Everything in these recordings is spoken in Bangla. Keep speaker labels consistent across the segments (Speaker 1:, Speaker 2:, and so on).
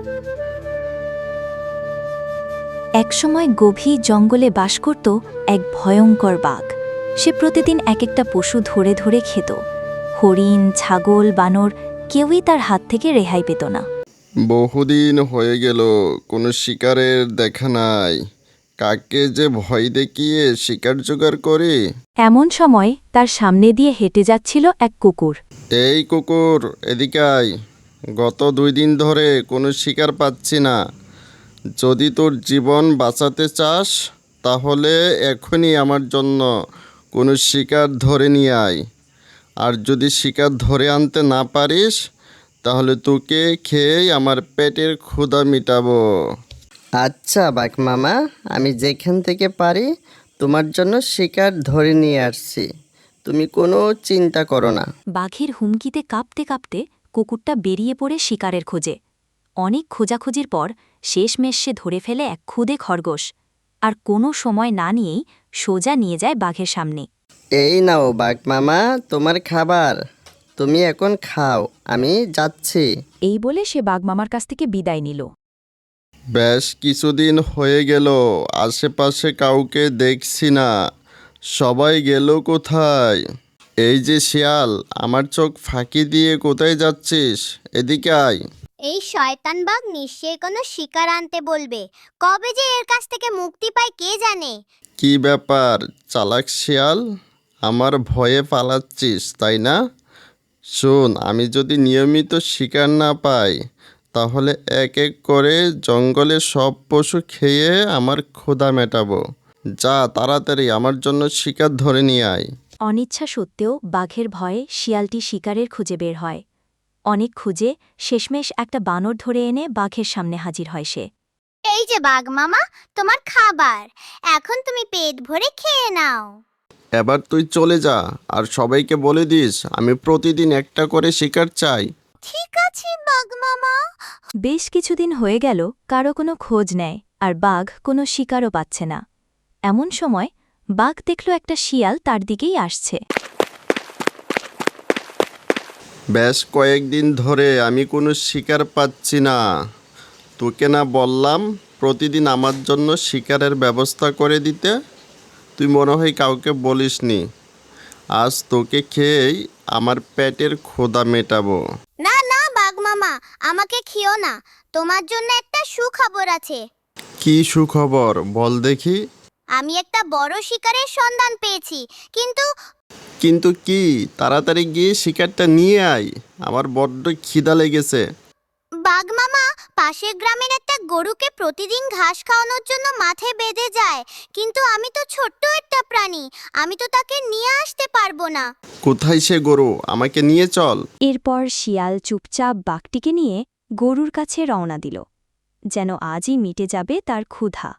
Speaker 1: একসময় গভীর জঙ্গলে বাস করত এক ভয়ঙ্কর বাঘ। সে প্রতিদিন এক একটা পশু ধরে ধরে খেত। হরিণ, ছাগল, বানর, কেউই তার হাত থেকে রেহাই পেত না।
Speaker 2: বহুদিন হয়ে গেল, কোনো শিকারের দেখা নাই। কাকে যে ভয় দেখিয়ে শিকার জোগাড় করে।
Speaker 1: এমন সময় তার সামনে দিয়ে হেঁটে যাচ্ছিল এক কুকুর।
Speaker 2: এই কুকুর, এদিকে আয়। গত 2 দিন ধরে কোনো শিকার পাচ্ছি না। যদি তোর জীবন বাঁচাতে চাস তাহলে এখনই আমার জন্য কোনো শিকার ধরে নিয়ে আয়। আর যদি শিকার ধরে আনতে না পারিস তাহলে তোকে খেয়েই আমার পেটের ক্ষুধা মিটাবো।
Speaker 3: আচ্ছা বাঘ মামা, আমি যেখান থেকে পারি তোমার জন্য শিকার ধরে নিয়ে আসছি। তুমি কোনো চিন্তা করো না।
Speaker 1: বাঘের হুমকিতে কাঁপতে কাঁপতে কুকুরটা বেরিয়ে পড়ে শিকারের খোঁজে। অনেক খোঁজাখুঁজির পর শেষমেশ সে ধরে ফেলে এক ক্ষুদে খরগোশ, আর কোনো সময় না নিয়েই সোজা নিয়ে যায় বাঘের সামনে।
Speaker 3: এই নাও বাঘ মামা, তোমার খাবার। তুমি এখন খাও, আমি যাচ্ছি।
Speaker 1: এই বলে সে বাঘমামার কাছ থেকে বিদায় নিল।
Speaker 2: বেশ কিছুদিন হয়ে গেল, আশেপাশে কাউকে দেখছি না। সবাই গেল কোথায়? এই যে শিয়াল, আমার চোখ ফাঁকি দিয়ে কোথায় যাচ্ছিস? এদিকে আয়।
Speaker 4: এই শয়তান বাঘ নিশ্চয়ই কোনো শিকার আনতে বলবে। কবে যে এর কাছ থেকে মুক্তি পায় কে জানে।
Speaker 2: কি ব্যাপার চালাক শিয়াল, আমার ভয়ে পালাচ্ছিস তাই না? শোন, আমি যদি নিয়মিত শিকার না পাই তাহলে এক এক করে জঙ্গলে সব পশু খেয়ে আমার ক্ষুধা মেটাবো। যা, তাড়াতাড়ি আমার জন্য শিকার ধরে নিয়ে আয়।
Speaker 1: অনিচ্ছা সত্ত্বেও বাঘের ভয়ে শিয়ালটি শিকারের খুঁজে বের হয়। অনেক খুঁজে শেষমেশ একটা বানর ধরে এনে বাঘের সামনে হাজির হয় সে।
Speaker 4: এই যে বাঘ মামা, তোমার খাবার। এখন তুমি পেট ভরে খেয়ে নাও।
Speaker 2: এবার তুই চলে যা, আর সবাইকে বলে দিস আমি প্রতিদিন একটা করে শিকার চাই।
Speaker 4: ঠিক আছে বাঘ মামা।
Speaker 1: বেশ কিছুদিন হয়ে গেল, কারো কোনো খোঁজ নেয়, আর বাঘ কোনো শিকারও পাচ্ছে না। এমন সময় বাঘ দেখল একটা শিয়াল তার দিকেই আসছে।
Speaker 2: বেশ কয়েকদিন ধরে আমি কোনো শিকার পাচ্ছি না। তোকে না বললাম প্রতিদিন আমার জন্য শিকারের ব্যবস্থা করে দিতে? তুই মনে হয় কাউকে বলিসনি। আজ তোকে খেয়েই আমার পেটের ক্ষুধা মেটাবো।
Speaker 4: না না বাঘ মামা, আমাকে খেও না। তোমার জন্য একটা সুখবর আছে।
Speaker 2: কি সুখবর বল দেখি।
Speaker 4: আমি একটা বড় শিকারের সন্ধান পেয়েছি। কিন্তু
Speaker 2: কিন্তু কি? তাড়াতাড়ি গিয়ে শিকারটা নিয়ে আয়, আমার বড্ড খিদা লেগেছে।
Speaker 4: বাঘ মামা, পাশের গ্রামের একটা গরুকে প্রতিদিন ঘাস খাওয়ানোর জন্য মাঠে বেঁধে যায়। কিন্তু আমি তো ছোট্ট একটা প্রাণী, আমি তো তাকে নিয়ে আসতে পারবো না।
Speaker 2: কোথায় সে গরু? আমাকে নিয়ে চল।
Speaker 1: এরপর শিয়াল চুপচাপ বাঘটিকে নিয়ে গরুর কাছে রওনা দিল, যেন আজই মিটে যাবে তার ক্ষুধা।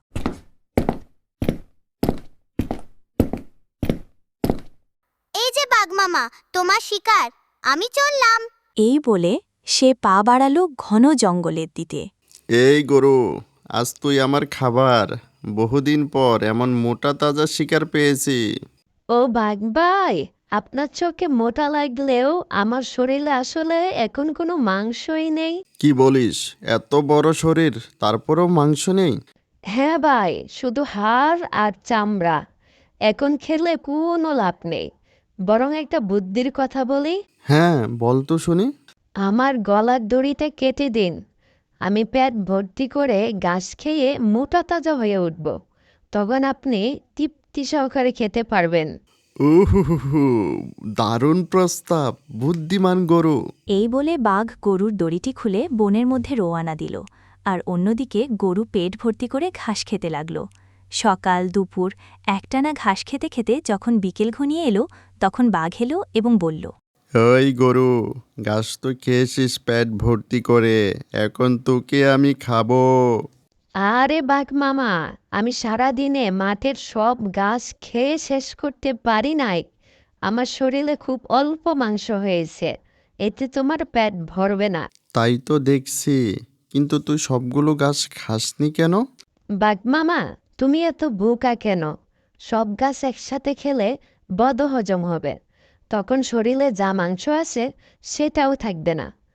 Speaker 4: এই যে বাঘ মামা, তোমার শিকার, আমি চললাম।
Speaker 1: এই বলে সে পা বাড়াল ঘন জঙ্গলের দিকে।
Speaker 2: এই গরু, আজ তুই আমার খাবার। বহুদিন পর এমন মোটা তাজা শিকার পেয়েছি।
Speaker 5: ও বাঘ ভাই, আপনার চোখে মোটা লাগলেও আমার শরীরে আসলে এখন কোনো মাংসই নেই।
Speaker 2: কি বলিস? এত বড় শরীর, তারপরেও মাংস নেই?
Speaker 5: হ্যাঁ ভাই, শুধু হাড় আর চামড়া। এখন খেলে কোনো লাভ নেই। বরং একটা বুদ্ধির কথা বলি।
Speaker 2: হ্যাঁ, বল তো শুনি।
Speaker 5: আমার গলার দড়িটা কেটে দিন। আমি পেট ভর্তি করে ঘাস খেয়ে মোটা তাজা হয়ে উঠব। তখন আপনি তৃপ্তি সহকারে খেতে পারবেন।
Speaker 2: উহু, দারুণ প্রস্তাব, বুদ্ধিমান গরু।
Speaker 1: এই বলে বাঘ গরুর দড়িটি খুলে বনের মধ্যে রোয়ানা দিল, আর অন্যদিকে গরু পেট ভর্তি করে ঘাস খেতে লাগল। সকাল দুপুর একটানা ঘাস খেতে খেতে যখন বিকেল ঘনিয়ে এলো, তখন বাঘ এলো এবং বলল,
Speaker 2: ওই গরু, ঘাস তো খেয়েছিস পেট ভর্তি করে, এখন তোকে আমি খাবো।
Speaker 5: আরে বাঘ মামা, আমি সারাদিনে মাঠের সব ঘাস খেয়ে শেষ করতে পারি নাই। আমার শরীরে খুব অল্প মাংস হয়েছে, এতে তোমার পেট ভরবে না।
Speaker 2: তাই তো দেখছি, কিন্তু তুই সবগুলো ঘাস খাসনি কেন?
Speaker 5: বাঘ মামা, তুমি এত বোকা কেন? সব ঘাস একসাথে খেলে বদহজম হবে। তখন শরীরে যা মাংস আছে সেটাও থাকবে না।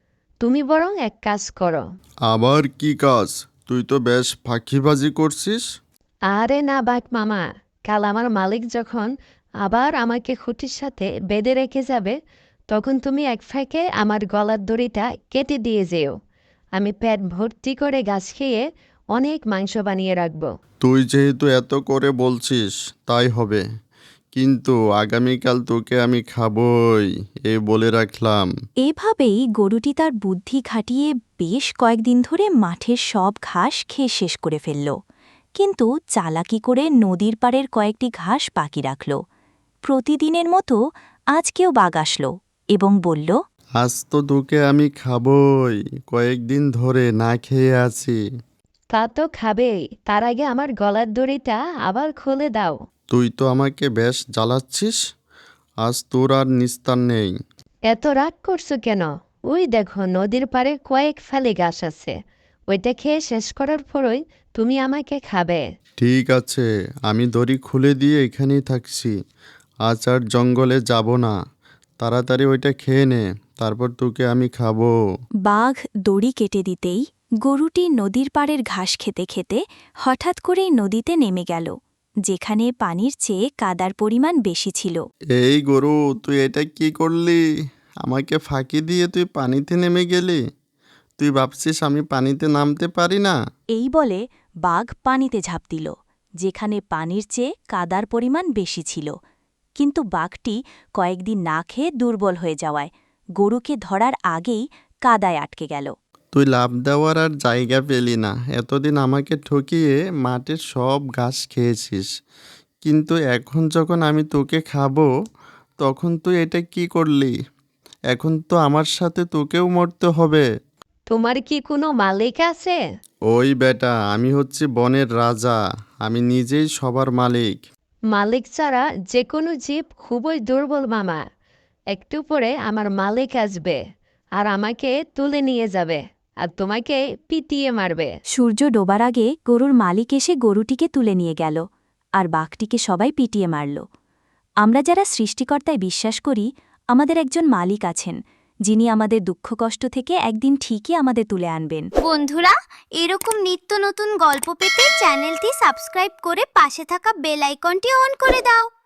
Speaker 5: তুমি বরং এক কাজ করো।
Speaker 2: আবার কি কাজ? তুই তো বেশ ফাঁকিবাজি করছিস।
Speaker 5: আরে না বাঘ মামা, কাল আমার মালিক যখন আবার আমাকে খুঁটির সাথে বেঁধে রেখে যাবে, তখন তুমি এক ফাঁকে আমার গলার দড়িটা কেটে দিয়ে যেও। আমি পেট ভর্তি করে ঘাস খেয়ে অনেক মাংস বানিয়ে রাখবো।
Speaker 2: তুই যেহেতু এত করে বলছিস তাই হবে, কিন্তু আগামীকাল তোকে আমি খাবই, এই বলে রাখলাম।
Speaker 1: এভাবেই গরুটি তার বুদ্ধি খাটিয়ে বেশ কয়েকদিন ধরে মাঠের সব ঘাস খেয়ে শেষ করে ফেলল, কিন্তু চালাকি করে নদীর পাড়ের কয়েকটি ঘাস বাকি রাখল। প্রতিদিনের মতো আজকেও বাঘ আসল এবং বলল,
Speaker 2: আজ তো তোকে আমি খাবই, কয়েকদিন ধরে না খেয়ে আছি।
Speaker 5: তা তো খাবেই, তার আগে আমার গলার দড়িটা আবার খুলে দাও।
Speaker 2: তুই তো আমাকে বেশ জ্বালাচ্ছিস, আজ তোর আর নিস্তার নেই।
Speaker 5: এত রাগ করছো কেন? ওই দেখো নদীর পাড়ে কয়েক ফালি ঘাস আছে, ওইটা খেয়ে শেষ করার পরই তুমি আমাকে খাবে।
Speaker 2: ঠিক আছে, আমি দড়ি খুলে দিয়ে এখানেই থাকছি, আজ আর জঙ্গলে যাব না। তাড়াতাড়ি ওইটা খেয়ে নে, তারপর তোকে আমি খাবো।
Speaker 1: বাঘ দড়ি কেটে দিতেই গরুটি নদীর পাড়ের ঘাস খেতে খেতে হঠাৎ করেই নদীতে নেমে গেল, যেখানে পানির চেয়ে কাদার পরিমাণ বেশি ছিল।
Speaker 2: এই গরু, তুই এটা কি করলি? আমাকে ফাঁকি দিয়ে তুই পানিতে নেমে গেলি? তুই ভাবছিস আমি পানিতে নামতে পারি না?
Speaker 1: এই বলে বাঘ পানিতে ঝাঁপ দিল, যেখানে পানির চেয়ে কাদার পরিমাণ বেশি ছিল। কিন্তু বাঘটি কয়েকদিন না খেয়ে দুর্বল হয়ে যাওয়ায় গরুকে ধরার আগেই কাদায় আটকে গেল।
Speaker 2: তুই লাফ দেওয়ার আর জায়গা পেলি না। এতদিন আমাকে ঠকিয়ে মাঠের সব ঘাস খেয়েছিস, কিন্তু এখন যখন আমি তোকে খাবো, তখন তুই এটা কি করলি? এখন তো আমার সাথে তোকেও মরতে হবে।
Speaker 5: তোমার কি কোনো মালিক আছে?
Speaker 2: ওই বেটা, আমি হচ্ছি বনের রাজা, আমি নিজেই সবার মালিক।
Speaker 5: মালিক ছাড়া যে কোনো জীব খুবই দুর্বল মামা। একটু পরে আমার মালিক আসবে আর আমাকে তুলে নিয়ে যাবে আর তোমাকে পিটিয়ে মারবে।
Speaker 1: সূর্য ডোবার আগে গরুর মালিক এসে গরুটিকে তুলে নিয়ে গেল, আর বাঘটিকে সবাই পিটিয়ে মারল। আমরা যারা সৃষ্টিকর্তায় বিশ্বাস করি, আমাদের একজন মালিক আছেন, যিনি আমাদের দুঃখ কষ্ট থেকে একদিন ঠিকই আমাদের তুলে আনবেন।
Speaker 4: বন্ধুরা, এরকম নিত্য নতুন গল্প পেতে চ্যানেলটি সাবস্ক্রাইব করে পাশে থাকা বেল আইকনটি অন করে দাও।